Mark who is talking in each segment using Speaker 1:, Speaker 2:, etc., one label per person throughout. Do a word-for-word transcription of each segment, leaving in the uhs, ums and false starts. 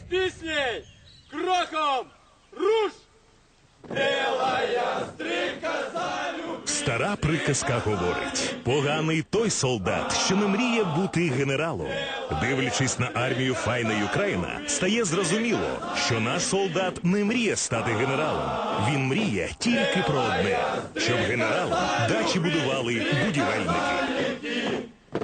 Speaker 1: пісней, кроком, руш! Білая стрімка залюбить.
Speaker 2: Стара приказка говорить: поганий той солдат, що не мріє бути генералом. Дивлячись на армію файної Україна, стає зрозуміло, що наш солдат не мріє стати генералом. Він мріє тільки про одне – щоб генералом дачі будували будівельники.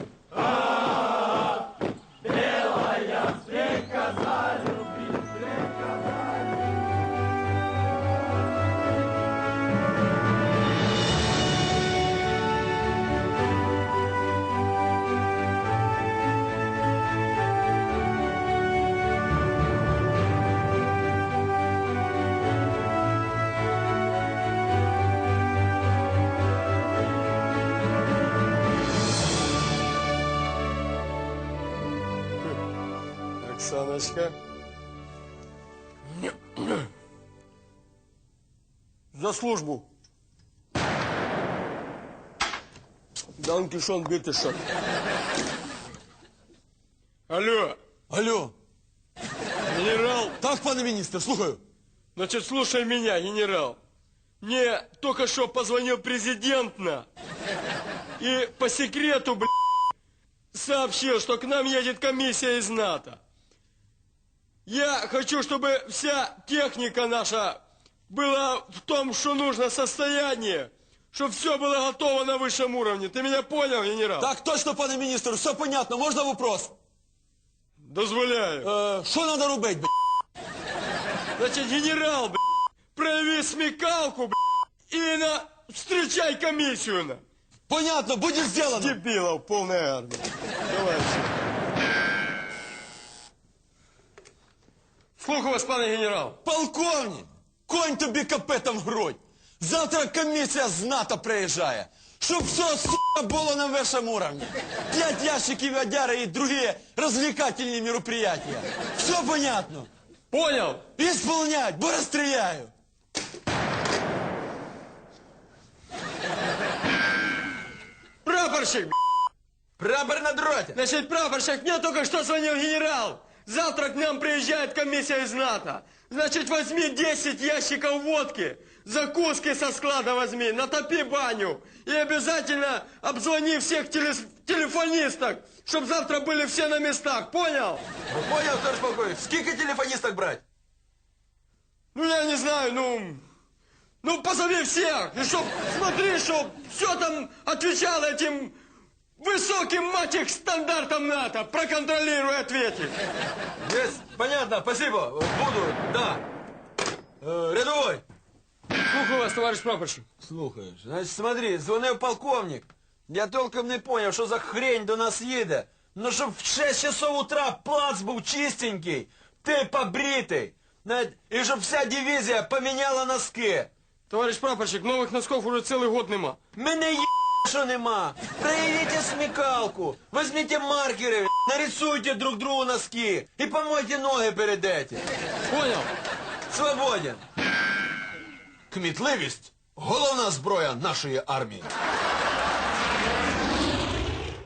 Speaker 1: Оксаночка. За службу. Данкишон, битишон. Алло.
Speaker 3: Алло.
Speaker 1: Генерал.
Speaker 3: Так, пане міністр, слухаю.
Speaker 1: Значит, слушай меня, генерал. Мне только что позвонил президент на. И по секрету, блядь, сообщил, что к нам едет комиссия из НАТО. Я хочу, чтобы вся техника наша была в том, что нужно, состоянии, чтобы все было готово на высшем уровне. Ты меня понял, генерал?
Speaker 3: Так точно, пане міністр, все понятно. Можна вопрос?
Speaker 1: Дозволяю.
Speaker 3: Е, що треба робити, б***?
Speaker 1: Значит, генерал, блядь, прояви смекалку, блядь, и на... встречай комиссию, на.
Speaker 3: Понятно, буде зроблено.
Speaker 1: Дебилов, полная армия. Давай. Слухаю вас, пане генерал.
Speaker 3: Полковник, конь тобі капетом в грудь. Завтра комісія з НАТО приїжджає. Щоб все, сука, було на вищому уровні. П'ять ящиків одяри і другі розвлекательні мероприятия. Все понятно?
Speaker 1: Понял?
Speaker 3: Исполнять, бо розстріляю.
Speaker 1: Прапорщик,
Speaker 3: Прапор на дроте.
Speaker 1: значит, прапорщик, мне только что звонил генерал. Завтра к нам приезжает комиссия из НАТО. Значит, возьми десять ящиков водки, закуски со склада возьми, натопи баню. И обязательно обзвони всех телес... телефонисток, чтобы завтра были все на местах. Понял?
Speaker 3: Понял, товарищ полковник. Скільки телефонисток брать?
Speaker 1: Ну, я не знаю, ну... Ну, позови всех. И чтоб, смотри, чтоб все там отвечало этим высоким, мать их, стандартам НАТО. Проконтролируй, ответить.
Speaker 3: Есть, понятно, спасибо. Буду, да. Э, рядовой.
Speaker 1: Слухаю вас, товарищ прапорщик.
Speaker 3: Слухаєш, значить, смотри, дзвонив полковник. Я толком не поняв, що за хрень до нас їде. Ну, щоб в шесть часов утра плац був чистенький, ти побритий. Навіть, і щоб вся дивізія поміняла носки.
Speaker 1: Товарищ прапорщик, новых носков уже целый год нема.
Speaker 3: Мене є, що нема. Проявите смекалку. Возьмите маркери, нарисуйте друг другу носки. І помойте ноги перед этим.
Speaker 1: Понял?
Speaker 3: Свободен. Кмітливість – головна зброя нашої армії.